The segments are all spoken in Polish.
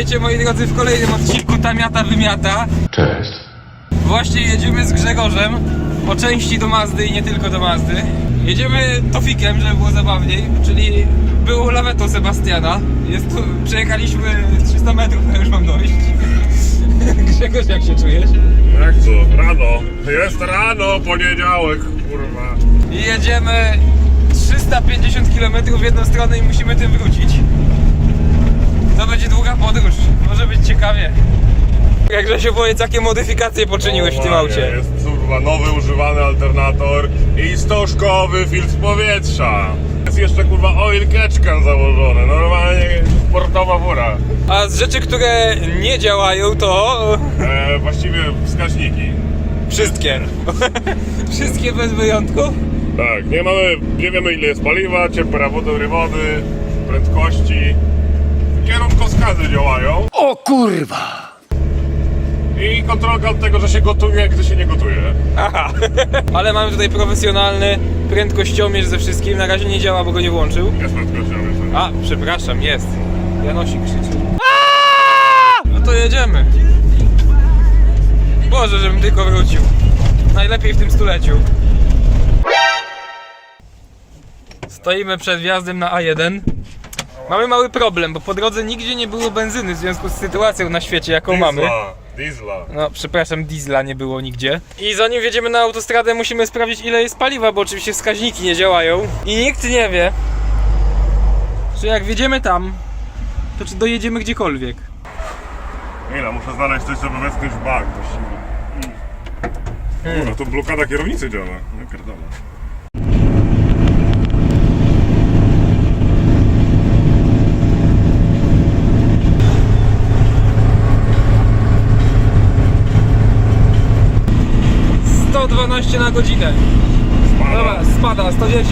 Witajcie moi drodzy w kolejnym odcinku Tamiata Wymiata. Cześć. Właśnie jedziemy z Grzegorzem po części do Mazdy i nie tylko do Mazdy. Jedziemy Tofikiem, żeby było zabawniej, czyli było lawetą Sebastiana. Przejechaliśmy 300 metrów, a już mam dojść. Grzegorz, jak się czujesz? Jak co? Rano. Jest rano, poniedziałek, kurwa. I jedziemy 350 km w jedną stronę i musimy tym wrócić. To będzie długa podróż, może być ciekawie. Jakże się powiedz, jakie modyfikacje poczyniłeś w tym aucie? Jest kurwa nowy używany alternator i stożkowy filtr powietrza. Jest jeszcze kurwa oil catchcan założony, normalnie sportowa fura. A z rzeczy, które nie działają, to... Właściwie wskaźniki. Wszystkie. Wszystkie bez wyjątku? Tak, nie wiemy ile jest paliwa, temperatury wody, prędkości. Kierunkowskazy działają. O kurwa! I kontrolka od tego, że się gotuje, gdy się nie gotuje. Aha. Ale mamy tutaj profesjonalny prędkościomierz ze wszystkim. Na razie nie działa, bo go nie włączył. Jest prędkościomierz. A, przepraszam, jest. Janosik krzyczy. No to jedziemy. Boże, żebym tylko wrócił. Najlepiej w tym stuleciu. Stoimy przed wjazdem na A1. Mamy mały problem, bo po drodze nigdzie nie było benzyny w związku z sytuacją na świecie, jaką mamy. Diesla. No, przepraszam, diesla nie było nigdzie. I zanim wjedziemy na autostradę, musimy sprawdzić, ile jest paliwa, bo oczywiście wskaźniki nie działają. I nikt nie wie, czy jak wjedziemy tam, to czy dojedziemy gdziekolwiek. Ile, muszę znaleźć coś, żeby wespnąć w bak właściwie. No to blokada kierownicy działa. No pierdolę. Sto 12 na godzinę. Dobra, spada, 110.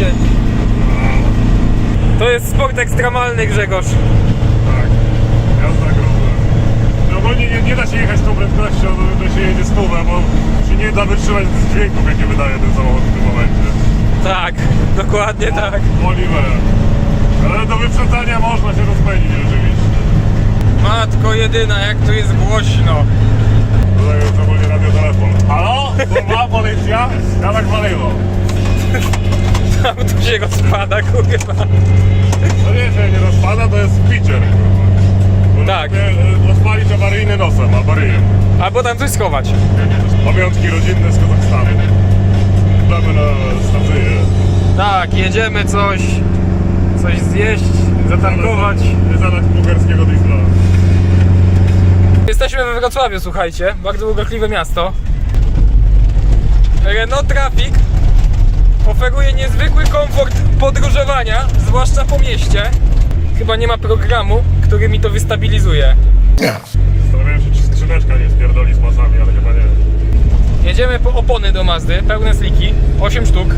To jest sport ekstremalny, Grzegorz. Tak, jazda gruba. No ogólnie nie da się jechać tą prędkością, to się jedzie stówę, bo się nie da wytrzymać z dźwięków, jakie wydaje ten samochód w tym momencie. Tak, dokładnie tak. Oliver. Ale do wyprzedzania można się rozpędzić rzeczywiście. Matko jedyna, jak tu jest głośno. Tutaj jest ogólnie radiotelefon. Halo? Kurwa, policja? Ja tak waliło. Tam tu się rozpada, kurwa. No nie, że nie rozpada, to jest pitcher. Tak. Rozpalić awaryjny nosem, albo ryjem. Albo tam coś schować. Pamiątki rodzinne z Kazachstanu. Damy na stację. Tak, jedziemy coś zjeść, zatankować. Zadać bułgarskiego diesla. Jesteśmy we Wrocławiu, słuchajcie, bardzo urokliwe miasto. Renault Trafic oferuje niezwykły komfort podróżowania, zwłaszcza po mieście. Chyba nie ma programu, który mi to wystabilizuje. Zastanawiałem się, czy skrzyneczka nie spierdoli z pasami, ale chyba nie. Jedziemy po opony do Mazdy, pełne sliki, 8 sztuk.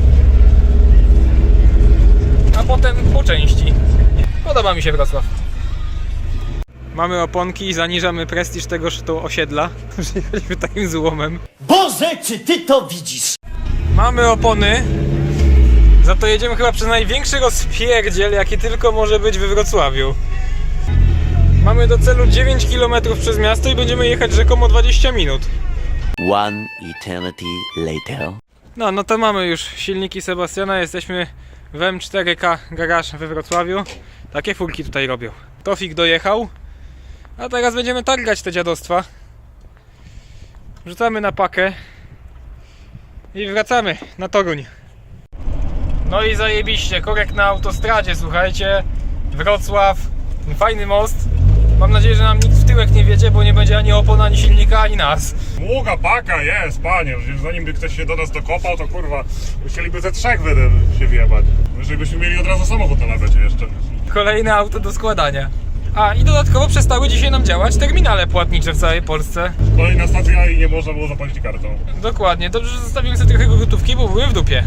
A potem po części. Podoba mi się Wrocław. Mamy oponki i zaniżamy prestiż tegoż to osiedla. Jechaliśmy takim złomem. Boże, czy ty to widzisz? Mamy opony. Za to jedziemy chyba przez największy rozpierdziel, jaki tylko może być we Wrocławiu. Mamy do celu 9 km przez miasto i będziemy jechać rzekomo 20 minut. One eternity later. No to mamy już silniki Sebastiana. Jesteśmy w M4K Garage we Wrocławiu. Takie furki tutaj robią. Tofik dojechał. A teraz będziemy targać te dziadostwa. Rzucamy na pakę i wracamy na Toruń. No i zajebiście, korek na autostradzie, słuchajcie. Wrocław, fajny most. Mam nadzieję, że nam nic w tyłek nie wiedzie, bo nie będzie ani opon, ani silnika, ani nas. Długa paka jest, panie. Przecież zanim by ktoś się do nas dokopał, to kurwa, musieliby ze trzech się wjebać. Jeżeli byśmy mieli od razu samochód na lawecie jeszcze. Kolejne auto do składania. A i dodatkowo przestały dzisiaj nam działać terminale płatnicze w całej Polsce. Kolejna stacja i nie można było zapłacić kartą. Dokładnie, dobrze, że zostawiłem sobie trochę gotówki, bo były w dupie.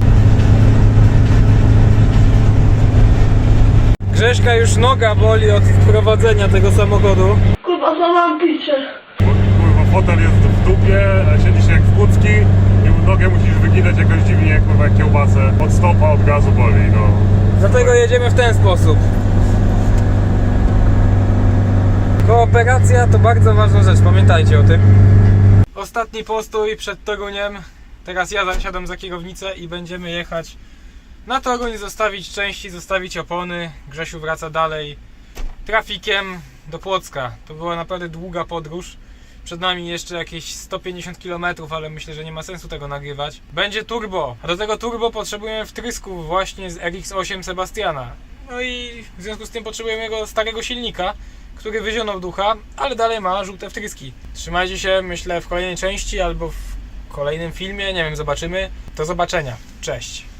Grześka już noga boli od prowadzenia tego samochodu. Kurwa, mam picie. Kurwa, fotel jest w dupie, siedzi się jak w kucki i nogę musisz wyginać jakoś dziwnie, kurwa, jak kiełbasę. Od stopa, od gazu boli, no. Dlatego jedziemy w ten sposób. Kooperacja to bardzo ważna rzecz, pamiętajcie o tym. Ostatni postój przed Toruniem. Teraz ja zasiadam za kierownicę i będziemy jechać na Toruń, zostawić części, zostawić opony. Grzesiu wraca dalej trafikiem do Płocka. To była naprawdę długa podróż. Przed nami jeszcze jakieś 150 km, ale myślę, że nie ma sensu tego nagrywać. Będzie turbo, a do tego turbo potrzebujemy wtrysków właśnie z RX-8 Sebastiana. No i w związku z tym potrzebujemy jego starego silnika, który wyzionął ducha, ale dalej ma żółte wtryski. Trzymajcie się, myślę, w kolejnej części albo w kolejnym filmie, nie wiem, zobaczymy. Do zobaczenia. Cześć.